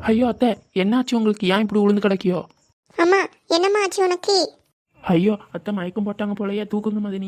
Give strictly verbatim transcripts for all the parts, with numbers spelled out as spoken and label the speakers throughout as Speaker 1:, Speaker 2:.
Speaker 1: ஐயோ அத்தை, என்னாச்சு உங்களுக்கு? ஏன் இப்படி விழுந்து கிடக்கியோ?
Speaker 2: அம்மா, என்னம்மா ஆச்சு உனக்கு?
Speaker 1: ஐயோ அத்தை, மயக்கம் போட்டாங்க போலயே, தூக்குங்க மதினி.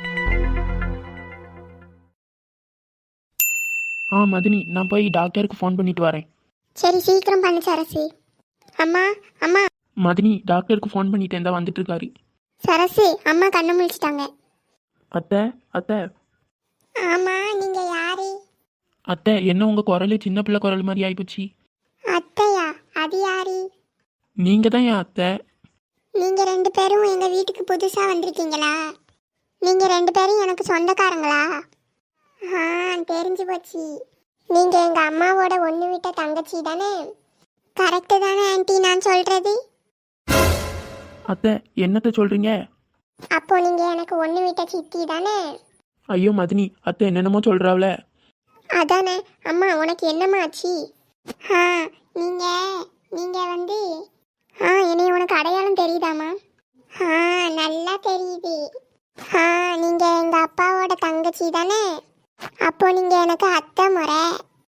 Speaker 1: ஆ மதினி, நான் போய் டாக்டருக்கு ஃபோன் பண்ணிட்டு வரேன்.
Speaker 2: சரி, சீக்கிரம் பண்ணு சரசு. அம்மா, அம்மா.
Speaker 1: மதினி, டாக்டருக்கு ஃபோன் பண்ணிட்டேன், தான் வந்துட்டு இருக்காரு.
Speaker 2: சரசு, அம்மா கண்ணு முழிச்சிட்டாங்க.
Speaker 1: அத்தை அத்தை.
Speaker 2: ஆமா, நீங்க யாரு?
Speaker 1: அத்தை, என்ன உங்க குரலு சின்ன பிள்ளை குரல் மாதிரி ஆயிப்போச்சு.
Speaker 2: அத்தையா? அது யாரு?
Speaker 1: நீங்க தான் என் அத்தை.
Speaker 2: நீங்க ரெண்டு பேரும் எங்க வீட்டுக்கு புதுசா வந்திருக்கீங்களா? நீங்க ரெண்டு பேரும் எனக்கு சொந்தக்காரங்களா? ஆ, தெரிஞ்சு போச்சு. நீங்க எங்க அம்மாவோட ஒண்ணு விட்ட தங்கச்சி தானே? கரெக்டு தானே ஆன்ட்டி நான் சொல்றது?
Speaker 1: அத்தை, என்னத்தை சொல்றீங்க?
Speaker 2: அப்போ நீங்க எனக்கு ஒண்ணு விட்ட சித்தி தானே?
Speaker 1: ஐயோ மதினி, அத்தை என்னென்னமோ சொல்றாவல.
Speaker 2: அதானே. அம்மா, உனக்கு என்னம்மா ஆச்சு? ஆ, நீங்க நீங்க வந்து ஆ என்னை உனக்கு அடையாளம் தெரியுதாம்மா? ஆ, நல்லா தெரியுது. ஆ, நீங்க எங்க அப்பாவோட தங்கச்சி தானே? அப்போ நீங்க எனக்கு அத்தை முறை.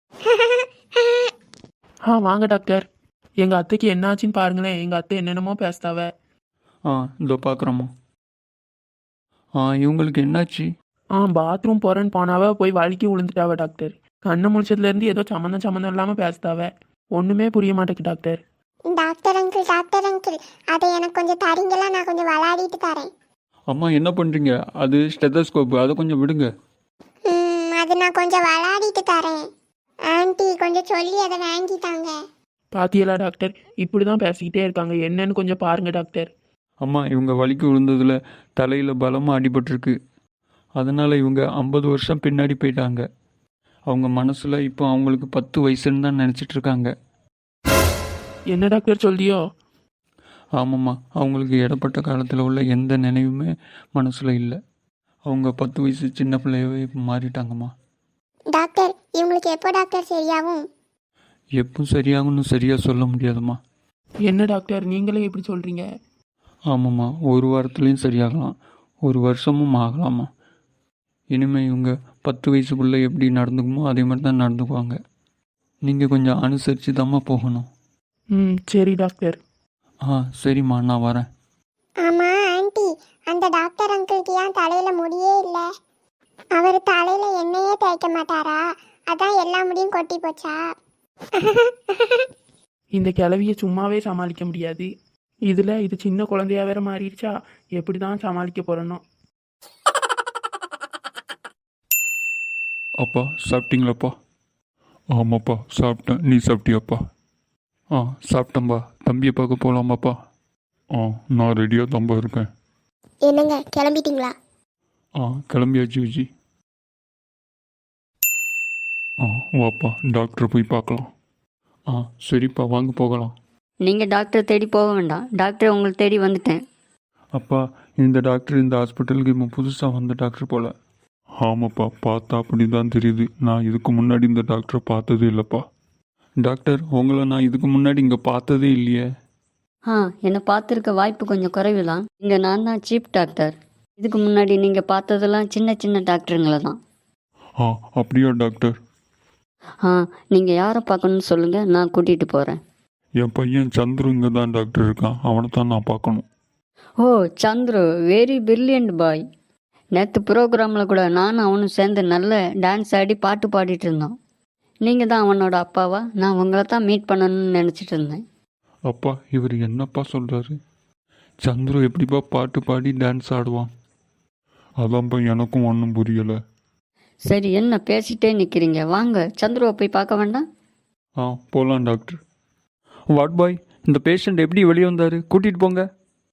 Speaker 1: ஆ வாங்க டாக்டர். எங்க அத்தைக்கு என்ன ஆச்சுன்னு பாருங்களேன். எங்க அத்தை என்னென்னமோ பேசுதாவ.
Speaker 3: ஆ இதோ பார்க்குறோம்மா. ஆ இவங்களுக்கு என்னாச்சு?
Speaker 1: ஆ பாத்ரூம் போகிறேன்னு போனாவ, போய் வலிக்கி விழுந்துட்டாவ டாக்டர். கண்ணு முழிச்சதுலேருந்து ஏதோ சம்மந்தம் சம்மந்தம் இல்லாமல் பேசுதாவ. ஒன்றுமே புரிய மாட்டேங்குது doctor.
Speaker 2: Doctor uncle, doctor uncle, அதை எனக்கு கொஞ்சம் தரீங்களா? நான் கொஞ்சம் விளையாடிட்டு தரேன்.
Speaker 3: அம்மா என்ன பண்ணுறீங்க? அது ஸ்டெத்தஸ்கோப்பு, அதை கொஞ்சம் விடுங்க.
Speaker 2: ம், அது நான் கொஞ்சம் விளையாடிட்டு தரேன். ஆன்ட்டி கொஞ்சம் சொல்லி அதை வாங்கிட்டாங்க.
Speaker 1: பாத்தியலா டாக்டர், இப்படி தான் பேசிக்கிட்டே இருக்காங்க. என்னன்னு கொஞ்சம் பாருங்க டாக்டர்.
Speaker 3: அம்மா, இவங்க வலிக்கு விழுந்ததில் தலையில் பலமாக அடிபட்டிருக்கு. அதனால் இவங்க ஐம்பது வருஷம் பின்னாடி போயிட்டாங்க. அவங்க மனசில் இப்போ அவங்களுக்கு பத்து வயசுன்னு தான் நினச்சிட்டு இருக்காங்க.
Speaker 1: என்ன டாக்டர் சொல்லியோ?
Speaker 3: ஆமாம்மா, அவங்களுக்கு இடப்பட்ட காலத்தில் உள்ள எந்த நினைவுமே மனசில் இல்லை. அவங்க பத்து வயசு சின்ன பிள்ளையவே இப்போ மாறிட்டாங்கம்மா.
Speaker 2: டாக்டர், இவங்களுக்கு எப்போ டாக்டர் சரியாகும்?
Speaker 3: எப்போ சரியாகும்னு சரியாக சொல்ல முடியாதும்மா.
Speaker 1: என்ன டாக்டர், நீங்களே எப்படி சொல்கிறீங்க?
Speaker 3: ஆமாம்மா, ஒரு வாரத்துலேயும் சரியாகலாம், ஒரு வருஷமும் ஆகலாமா. இனிமேல் இவங்க பத்து வயசுக்குள்ளே எப்படி நடந்துக்குமோ அதே மாதிரி தான் நடந்துக்குவாங்க. நீங்கள் கொஞ்சம் அனுசரித்து தாம்மா போகணும்.
Speaker 1: ம் சரி டாக்டர்.
Speaker 3: ஆ சரிம்மா, நான் வரேன்.
Speaker 2: ஆமா ஆன்ட்டி, அந்த டாக்டர் அங்கிளுக்கு ஏன் தலையில முடியே இல்லை? அவர் தலையில எண்ணெயே தேய்க்க மாட்டாரா? அதான் எல்லா முடியும் கொட்டி போச்சா?
Speaker 1: இந்த கிளவியை சும்மாவே சமாளிக்க முடியாது. இதில் இது சின்ன குழந்தையா வேற மாறிடுச்சா? எப்படி தான் சமாளிக்க போகிறனோ.
Speaker 4: அப்பா சாப்பிட்டீங்களாப்பா? ஆமாப்பா சாப்பிட்டேன். நீ சாப்பிட்டியாப்பா? ஆ சாப்பிட்டேன்பா. தம்பியை பார்க்க போகலாமாப்பா? ஆ நான் ரெடியாக தம்பா இருக்கேன்.
Speaker 2: என்னங்க, கிளம்பிட்டீங்களா?
Speaker 4: ஆ கிளம்பியாச்சு விஜி. ஆ வாப்பா, டாக்டரை போய் பார்க்கலாம். ஆ சரிப்பா, வாங்க போகலாம்.
Speaker 5: நீங்கள் டாக்டரை தேடி போக வேண்டாம், டாக்டர் உங்களை தேடி வந்துட்டேன்.
Speaker 4: அப்பா, இந்த டாக்டர் இந்த ஹாஸ்பிட்டலுக்கு இப்போ புதுசாக வந்த டாக்டர் போல். ஆமாப்பா, பார்த்தா அப்படி தான் தெரியுது. நான் இதுக்கு முன்னாடி இந்த டாக்டரை பார்த்ததே இல்லைப்பா. டாக்டர், உங்களை நான் இதுக்கு முன்னாடி இங்கே பார்த்ததே இல்லையே.
Speaker 5: ஆ என்னை பார்த்துருக்க வாய்ப்பு கொஞ்சம் குறைவு தான். இங்கே நான் தான் சீஃப் டாக்டர். இதுக்கு முன்னாடி நீங்கள் பார்த்ததெல்லாம் சின்ன சின்ன டாக்டருங்களை தான்.
Speaker 4: ஆ அப்படியா டாக்டர்?
Speaker 5: ஆ நீங்கள் யாரை பார்க்கணுன்னு சொல்லுங்கள், நான் கூட்டிகிட்டு போகிறேன்.
Speaker 4: என் பையன் சந்துரு இங்கே தான் டாக்டர் இருக்கான், அவனை தான் நான் பார்க்கணும்.
Speaker 5: ஓ சந்துரு, வெரி பிரில்லியன்ட் பாய். நேற்று ப்ரோக்ராமில் கூட நானும் அவனும் சேர்ந்து நல்ல டான்ஸ் ஆடி பாட்டு பாடிட்டு இருந்தோம். நீங்கள் தான் அவனோட அப்பாவா? நான் உங்களை தான் மீட் பண்ணணும்னு நினச்சிட்டு இருந்தேன்.
Speaker 4: அப்பா, இவர் என்னப்பா சொல்கிறாரு? சந்துரு எப்படிப்பா பாட்டு பாடி டான்ஸ் ஆடுவான்? அதான்ப்பா எனக்கும் ஒன்றும் புரியலை.
Speaker 5: சரி, என்ன பேசிட்டே நிற்கிறீங்க? வாங்க, சந்துருவை போய் பார்க்க வேண்டாம்?
Speaker 4: ஆ போகலாம் டாக்டர்.
Speaker 3: வாட் பாய், இந்த பேஷண்ட் எப்படி வெளியே வந்தார்? கூட்டிகிட்டு போங்க.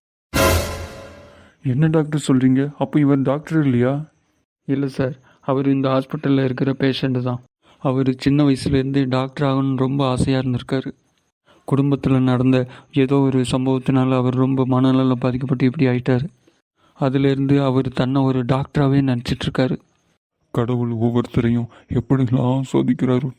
Speaker 4: என்ன டாக்டர் சொல்கிறீங்க? அப்போ இவர் டாக்டர் இல்லையா?
Speaker 3: இல்லை சார், அவர் இந்த ஹாஸ்பிட்டலில் இருக்கிற பேஷண்ட்டு தான். அவர் சின்ன வயசுலேருந்தே டாக்டர் ஆகணும்னு ரொம்ப ஆசையாக இருந்திருக்காரு. குடும்பத்தில் நடந்த ஏதோ ஒரு சம்பவத்தினால அவர் ரொம்ப மனநல பாதிக்கப்பட்டு இப்படி ஆயிட்டார். அதிலேருந்து அவர் தன்னை ஒரு டாக்டராகவே நினச்சிட்ருக்காரு.
Speaker 4: கடவுள் ஒவ்வொருத்தரையும் எப்படிலாம் சோதிக்கிறாரு.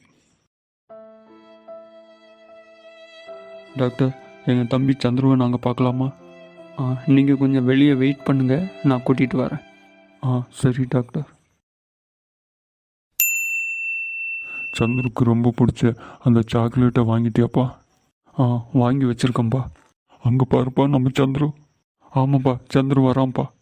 Speaker 3: டாக்டர், எங்கள் தம்பி சந்துருவை நாங்கள் பார்க்கலாமா? ஆ நீங்கள் கொஞ்சம் வெளியே வெயிட் பண்ணுங்கள், நான் கூட்டிகிட்டு வரேன்.
Speaker 4: ஆ சரி டாக்டர். சந்துருக்கு ரொம்ப பிடிச்ச அந்த சாக்லேட்டை வாங்கிட்டியாப்பா?
Speaker 3: ஆ வாங்கி வச்சிருக்கேன்ப்பா.
Speaker 4: அங்கே பாருப்பா நம்ம சந்துரு.
Speaker 3: ஆமாப்பா, சந்துரு வரான்ப்பா.